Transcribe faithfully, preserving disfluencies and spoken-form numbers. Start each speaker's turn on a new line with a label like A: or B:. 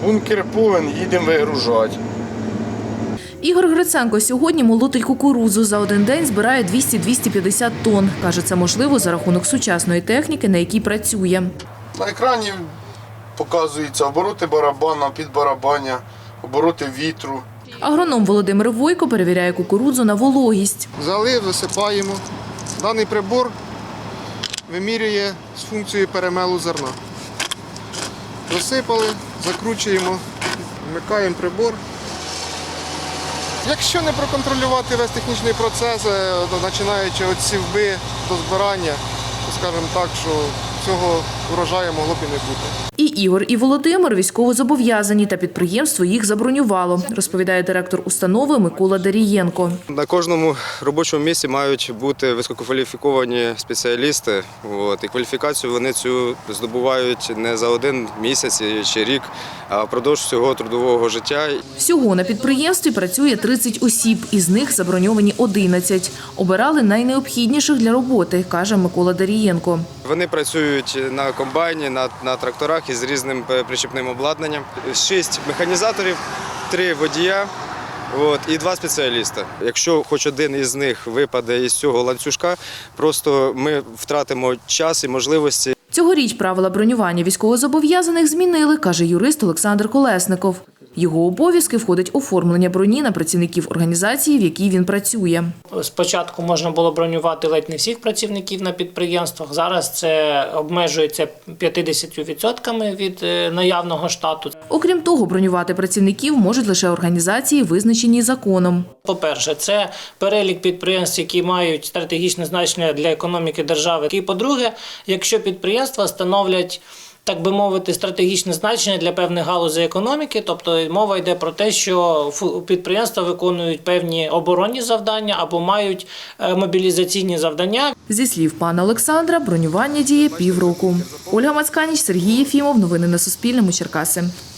A: Бункер повен, їдемо вигружати.
B: Ігор Гриценко сьогодні молотить кукурудзу. За один день збирає двісті - двісті п'ятдесят тонн. Каже, це можливо за рахунок сучасної техніки, на якій працює.
A: На екрані показуються обороти барабана, підбарабання, обороти вітру.
B: Агроном Володимир Войко перевіряє кукурудзу на вологість.
C: Залив, засипаємо. Даний прибор вимірює з функцією перемелу зерна. Засипали, закручуємо, вмикаємо прибор. Якщо не проконтролювати весь технічний процес, починаючи від сівби до збирання, то скажімо так, що цього урожаю могло б і не бути.
B: І Ігор, і Володимир військовозобов'язані, та підприємство їх забронювало, розповідає директор установи Микола Дарієнко.
D: На кожному робочому місці мають бути висококваліфіковані спеціалісти. От, і кваліфікацію вони цю здобувають не за один місяць чи рік, а впродовж всього трудового життя.
B: Всього на підприємстві працює тридцять осіб, із них заброньовані одинадцять. Обирали найнеобхідніших для роботи, каже Микола Дарієнко.
D: Вони працюють на комбайні, на, на тракторах із різним причіпним обладнанням. Шість механізаторів, три водія. От, і два спеціаліста. Якщо хоч один із них випаде із цього ланцюжка, просто ми втратимо час і можливості.
B: Цьогоріч правила бронювання військовозобов'язаних змінили, каже юрист Олександр Колесников. Його обов'язки входить оформлення броні на працівників організації, в якій він працює.
E: Спочатку можна було бронювати ледь не всіх працівників на підприємствах. Зараз це обмежується п'ятдесятьма відсотками від наявного штату.
B: Окрім того, бронювати працівників можуть лише організації, визначені законом.
E: По-перше, це перелік підприємств, які мають стратегічне значення для економіки держави. І по-друге, якщо підприємства становлять, так би мовити, стратегічне значення для певних галузей економіки, тобто мова йде про те, що підприємства виконують певні оборонні завдання або мають мобілізаційні завдання.
B: Зі слів пана Олександра, бронювання діє півроку. Ольга Мацканіч, Сергій Єфімов. Новини на Суспільному. Черкаси.